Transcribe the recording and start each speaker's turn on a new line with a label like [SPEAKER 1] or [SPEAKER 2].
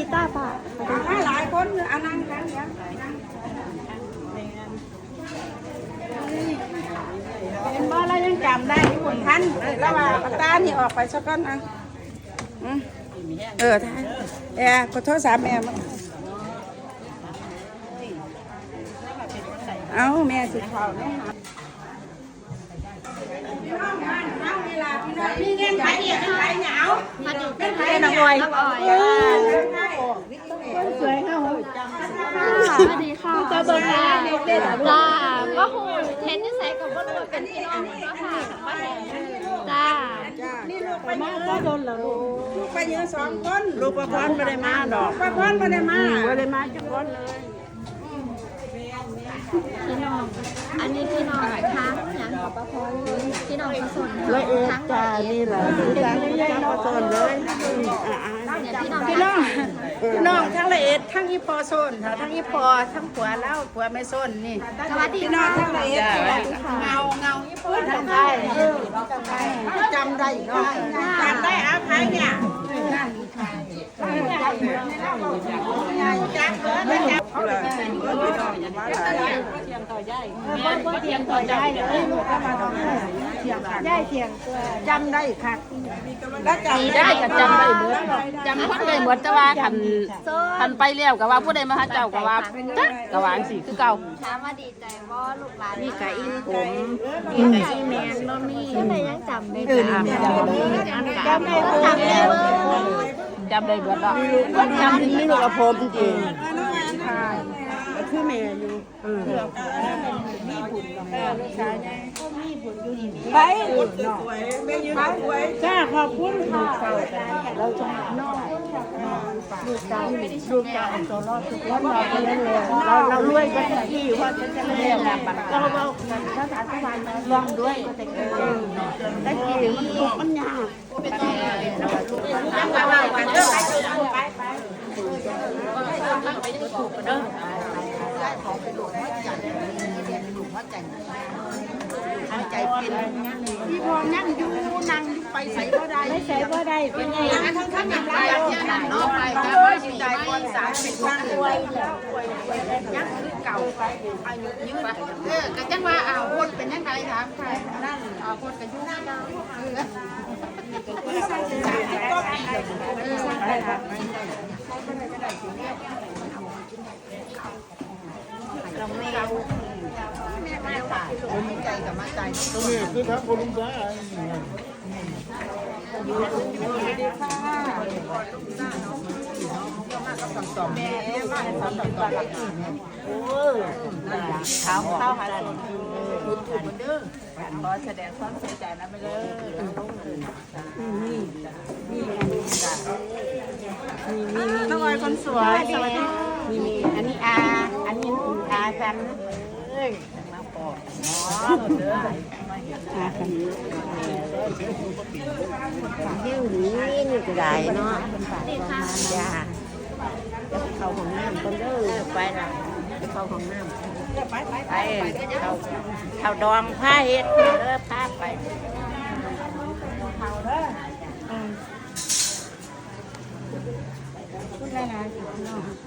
[SPEAKER 1] จ้าป่า
[SPEAKER 2] มาหลายคนอันนั้นเป็นบ่แล้วยังจำได้ที่คนทันแล้วว่าปตานี่ออกไปสักก้อนอ่ะท่านขอโทษสามแม่เอาแม่สิเขาเนี่ยมีเงินขายเดียวขายเหงาเป็นขายหน่อยสวยค่ะ
[SPEAKER 1] สวัสดีค่ะจ้าเบิร์ดจ้าก็หูเห็นนิสัยกับว่าเราเป็นพี่น้องเนาะค่ะกับป้าแดงจ้า
[SPEAKER 2] นี่ลูกไปมาก็โดนเหรอลูกไปเยอะ2 คนลูกประพรไม่ได้มาดอกประพรไม่ได้มาจังคนเลย
[SPEAKER 1] พี่น้องอันนี้พี่น้องทั้งอย่างของป้าพรพี่น้องผสมทั้ง
[SPEAKER 2] จ้านี่แหละจ้านี่น้องผสมเลยพี่น้องทั้งละเอ็ดทั้งอีพอโซนทั้งอีพอทั้งผัวเล่าผัวไม่โซนนี่
[SPEAKER 1] สวัสดี
[SPEAKER 2] พี่น้องทั้งละเอ็ดเงาอีพอทั้งไทยจำได้เนาะจำได้อาภัยเนี่ยเขาเลยเทียงต่อใหญ่เทียงต่อใหญ่เลยลูกก็มาทำเทียงกันใหญ่เทียงจำได้ค่ะ
[SPEAKER 3] แล้วจำได้ก็จำได้หมดจำคนได้หมดแต่ว่าคันไปเลี้ยวกับว่าผู้ใดมาหาเจ้ากับว่าจักกับว่าสิคือเก่า
[SPEAKER 1] ถามว่าดีใจว่าลูกหลาน
[SPEAKER 2] มีไก่อินผม
[SPEAKER 1] มีไก่แมงก็มีก็เลยยังจำได้จำได้
[SPEAKER 3] จำได้เบิดดอก
[SPEAKER 2] จำถึงนี่ลูกกระผมจริงคือแม่อยู่มีบุญลูกชายไงมีบุญอยู่นี่ไปแม่ยืนสวยจ้าขอบคุณค่ะเราจะนอกลูกจ้าตัวรอดทุกคนเรารวยกันที่ว่าจะเรียกเราภาษาสวรรค์ลองด้วยก็จะเก่งได้กี่มันทุกมันยากจังหวะวันเด้อไปถูกเด้อของเป็นหลวงพ่อจันทร์หลวงพ่อจันทร์หัวใจเป็นพี่พอนั่งอยู่นั่งไปใส่ก็ได้ไม่ใส่ก็ได้เป็นไงทั้งอย่างไรอย่างนอกไปแล้วจิตใจคนสารเป็นคนรวยแล้วยักษ์คือเก่าไปอายุยืนก็จังว่าคนเป็นยังไงถามใครนั่นคนกันยุ่งเก่าเราไม่เราคนใจกับมาใจ
[SPEAKER 4] ตัวนี้คือทักคนลุงจ้า
[SPEAKER 2] สอบแม่บ้านสอบต่อเขาหาอะไรพูดถูกเด้อขอแสดงความเสียใจนะไปเลยน้องออยคนสวยมีอันนี้อันนี้อาฉันมาปอกเด้ออาฉันเที่ยวนี้นี่ก็ได้เนาะจ้าเข้าห้องน้ำคนเด้อไปละเข้าห้องน้ำไปเข้าดองผ้าเฮ็ดผ้าไปเข้าเด้อพูดอะไรนะ